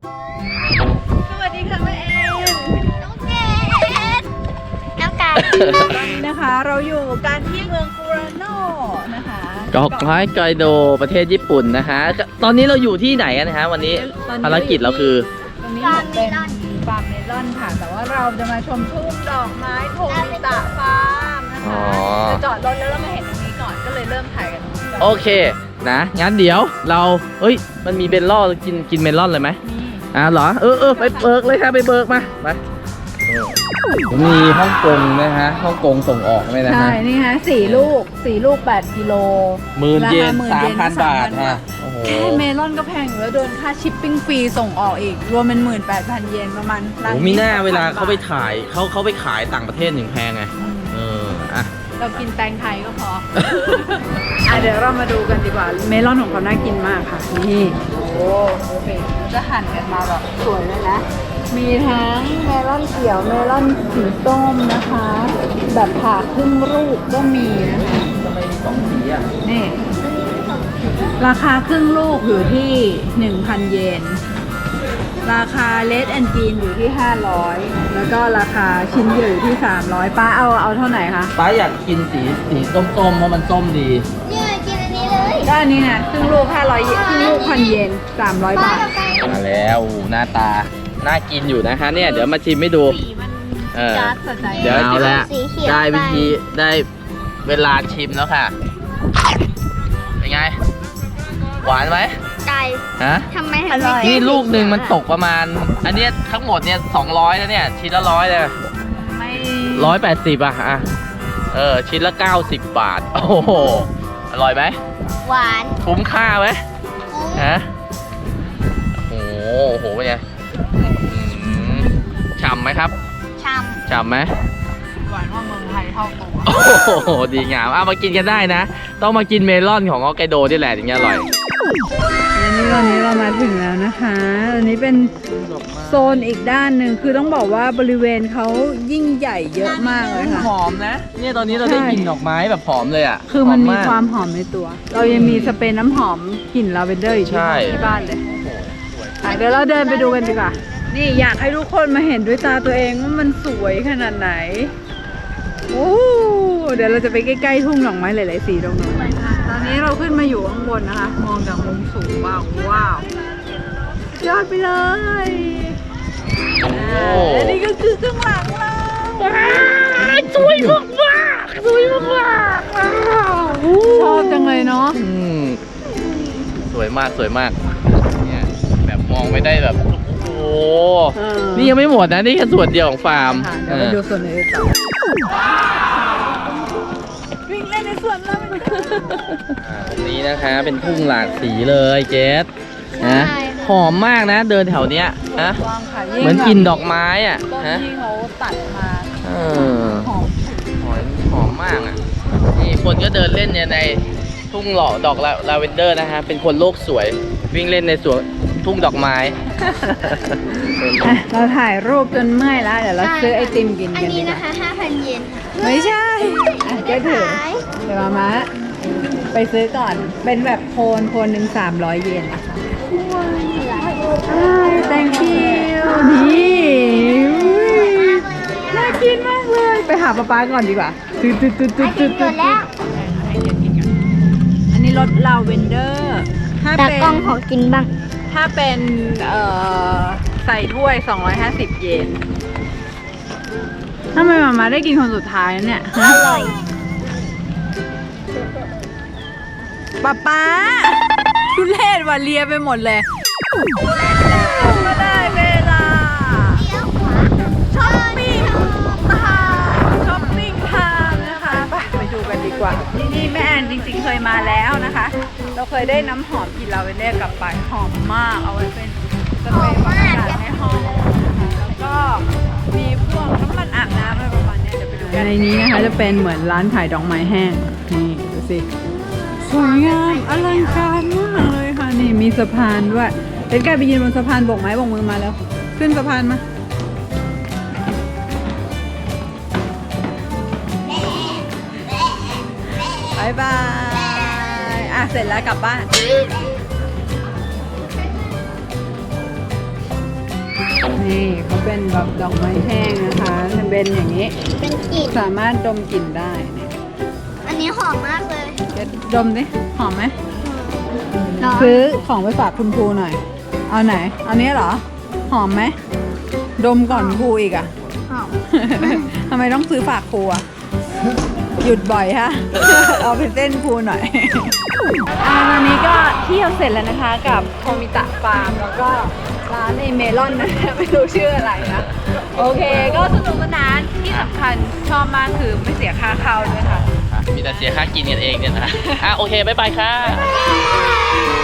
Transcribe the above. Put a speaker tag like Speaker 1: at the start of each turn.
Speaker 1: สวัสดีค่ะแม่เอ็น
Speaker 2: น้องเกดน้องกาย
Speaker 1: ตอนนี้นะคะเราอยู่กันที่เมืองฟูรานโนนะคะ
Speaker 3: เกาะไม้ไกโดประเทศญี่ปุ่นนะคะตอนนี้เราอยู่ที่ไหนกันนะฮะวันนี้ภารกิจเราคือ
Speaker 1: ตรงนี้เป็นฟาร์มเมลอนค่ะ แต่ว่าเราจะมาชมทุ่งดอกไม้โทมิตะฟาร์มนะคะจะจอดรถแล้วเรามาเห็นตรงนี้ก่อนก็เลยเริ่มถ่ายกันตรงนี้ก่อน
Speaker 3: โอเคนะงั้นเดี๋ยวเรามันมีเบลล่อกินเมลอนเลยไหม
Speaker 1: นี่
Speaker 3: เหรอไปเบิกเลยค่ะไปเบิกมามีฮ่องกงนะฮะฮ่องกงส่งออกไหมนะ
Speaker 1: ใช่
Speaker 3: ฮะ
Speaker 1: นี่ฮะ4 ลูก 8 กิโล
Speaker 3: 10,000 เยน
Speaker 1: ราคา
Speaker 3: 3,000 บาทฮะโอ้โห
Speaker 1: แค่เมลอนก็แพงอยู่แล้วโดนค่าชิปปิ้งฟรีส่งออกอีก รวมเป็น 18,000 เยนประมาณ
Speaker 3: โอ้มีหน้าเวลาเขาไปถ่ายเขาไปขายต่างประเทศถึงแพงไงอ่ะ
Speaker 1: เรากินแตงไทยก็พอ เดี๋ยวเรามาดูกันดีกว่า เมลอนของเขาน่ากินมากค่ะ นี่โอ้โหดูสิจะหั่นกันมาแบบสวยเลยนะ มีทั้งเมลอนเขียว เมลอนสีส้มนะคะ แบบผ่าครึ่งลูกก็มีนะคะ
Speaker 3: ทำไมมี2 สีอ่ะ
Speaker 1: นี่ราคาครึ่งลูกอยู่ที่ 1,000 เยน ราคาเลดแอนจีนอยู่ที่ 500 แล้วก็ราคาชิ้นเดียวอยู่ที่ 300 ป้าเอาเท่าไหร่คะ
Speaker 3: ป้าอยากกินสีส้มๆเพราะมันส้มดี
Speaker 2: เนี่ยกินอันนี้เลย
Speaker 1: ก็อันนี้นะครึ่งลูก500 เยนครึ่งลูก1,000 เยน 300 บาท
Speaker 3: มาแล้วหน้าตาน่ากินอยู่นะคะเนี่ยเดี๋ยวมาชิมให้ดู
Speaker 1: สีมัน
Speaker 3: เออ
Speaker 1: จัดสะใจ
Speaker 3: เดี๋ยวเอาละ
Speaker 2: สีเขียว
Speaker 3: ได้วิธี
Speaker 2: ไป
Speaker 3: ได้เวลาชิมแล้วค่ะเป็นไงหวานไหม
Speaker 2: ไก่
Speaker 3: ฮะ
Speaker 2: ทำไมถึงไม่
Speaker 3: นี่ลูกหนึ่งมันตกประมาณ อันเนี้ยทั้งหมดเนี่ย200แล้วเนี่ยชิ้นละ100เลย
Speaker 1: ไม่
Speaker 3: 180อ่ะชิ้นละ90 บาทโอ้โหอร่อยไหม
Speaker 2: หวาน
Speaker 3: คุ้มค่าไหมฮะโอ้โหเป็นไงฉ่ำไหมครับ
Speaker 2: ช่
Speaker 3: ฉ่ำไหม
Speaker 1: หวานว่าเมืองไทยเท่าตัว
Speaker 3: โอ้โหดีงามมากินกันได้นะ ต้องมากินเมลอนของฮอกไกโดนี่แหละถึงจะอร่อย
Speaker 1: อันนี้ตอนนี้เรามาถึงแล้วนะคะอันนี้เป็นโซนอีกด้านหนึ่งคือต้องบอกว่าบริเวณเขายิ่งใหญ่เยอะมากเลยค่ะ
Speaker 3: หอมนะ เนี่ยตอนนี้เราได้กลิ่นดอกไม้แบบหอมเลยอ่ะ
Speaker 1: คือมันมี
Speaker 3: หก
Speaker 1: ความหอมในตัว เรายังมีสเปรย์น้ำหอมกลิ่นลาเวนเดอร์อยู่
Speaker 3: ใช่
Speaker 1: ที่บ้านเลยเดี๋ยวเราเดินไปดูกันดีกว่า นี่อยากให้ทุกคนมาเห็นด้วยตาตัวเองว่ามันสวยขนาดไหน โอ้เดี๋ยวเราจะไปใกล้ๆทุ่งดอกไม้หลายๆสีตรงนู้นตอนนี้เราขึ้นมาอยู่ข้างบนนะคะ มองจากมุมสูงว้าวว้าวยอดไปเลยและนี่ก็คือข้างหลังเราสวยมากมากสวยมากมากชอบจังเลยเนาะ
Speaker 3: สวยมากสวยมากเนี่ยแบบมองไปได้แบบโอ้โห
Speaker 1: เออ
Speaker 3: นี่ยังไม่หมดนะนี่แค่ส่วนเดียวของฟาร์ม
Speaker 1: ค่ะเดี๋ยวไปดูส่วนอื่นต่อวิ่งเล่นในสวนแล้วมัน
Speaker 3: นี่นะคะเป็นทุ่งหลากสีเลยเจสนะหอมมากนะเดินแถวเนี้ยนะ
Speaker 1: วางค่ะ
Speaker 3: เหมือนกินดอกไม้อ่ะ
Speaker 1: ต้น
Speaker 3: ฮะ
Speaker 1: ที่เขาตัดมา
Speaker 3: เออ
Speaker 1: หอม
Speaker 3: หอมมากอ่ะนี่คนก็เดินเล่นเนี่ยในทุ่งหล่อดอกลาเวนเดอร์นะฮะเป็นคนโลกสวยวิ่งเล่นในสวนทุ่งดอกไม้
Speaker 1: เราถ่ายรูปจนเมื่อยแล้ว เดี๋ยวเราซื้อไอติมกิน
Speaker 2: ำอัน
Speaker 1: กันดี
Speaker 2: นี้
Speaker 1: ก
Speaker 2: นะ
Speaker 1: ว่า
Speaker 2: คะ 5,000 เยนค่ะ
Speaker 1: ไม่ใช่ก็ถือ
Speaker 2: ขาย
Speaker 1: เดี๋ยวมาไปซื้อก่อน เป็นแบบโคนหนึ่ง300 เยนนะคะ thank you นี่น่ากินมากเลย ไปหาป๊าก่อนดีกว่าจุด
Speaker 2: หมดแล้ว
Speaker 1: อันนี้รสลาเวนเดอร์ถ้า
Speaker 2: ตา
Speaker 1: เป็น
Speaker 2: กล้องขอกินบ้าง
Speaker 1: ถ้าเป็นใส่ถ้วย 250 เยนทำไมมาได้กินคนสุดท้ายเนี่ย
Speaker 2: อ
Speaker 1: ฮะ
Speaker 2: ร่อย
Speaker 1: ป๊าทุเรศว่ะเลียไปหมดเลยก็ได้เวลา
Speaker 2: เลี้ยวขวา
Speaker 1: ช้อปปิ้งช้อปปิ้งไทม์นะคะไปดูกันดีกว่าที่นี่แม่แอนจริงๆเคยมาแล้วนะคะ เราเคยได้น้ำหอมกลิ่นลาเวนเดอร์กลับไปหอมมากเอาไว้เป็นสเปรย์ความสะอาดในห้องนะคะแล้วก็มีพวกน้ำมันอาบน้ำอะไรประมาณนี้เดี๋ยวไปดูกันในนี้นะคะจะเป็นเหมือนร้านขายดอกไม้แห้งนี่ดูสิสวยงามอลังการมากเลยค่ะนี่มีสะพานด้วยเป็นการไปยืนบนสะพานโบกไม้โบกมือมาแล้วขึ้นสะพานมาบายบาย เสร็จแล้วกลับบ้าน นี่นี่เขาเป็นแบบดอกไม้แห้งนะคะจะเป็นอย่างนี้
Speaker 2: เป็นกลิ่น
Speaker 1: สามารถดมกลิ่นได้เนี่ย
Speaker 2: อันนี้หอมมากเลย
Speaker 1: เดี๋ยวดมดิหอมไหม
Speaker 2: ร้อน
Speaker 1: ซื้อของไปฝากคุณครูหน่อย เอาไหน เอานี้เหรอ หอมไหม ดมก่อนครูอีกอ่ะ
Speaker 2: หอม
Speaker 1: ทำไมต้องซื้อฝากครูอ่ะ หยุดบ่อยฮะ เอาไปเต้นครูหน่อยตอนนี้ก็เที่ยวเสร็จแล้วนะคะกับโทมิตะฟาร์มแล้วก็ร้านไอเมลอนนะ ไม่รู้ชื่ออะไรนะ โอเค ก็สนุกสนานที่สำคัญชอบมากคือไม่เสียค่าเข้าด้วยค่ะ
Speaker 3: มีแต่เสียค่ากินกันเองเนี่ยนะโอเค บ๊ายบายค่ะ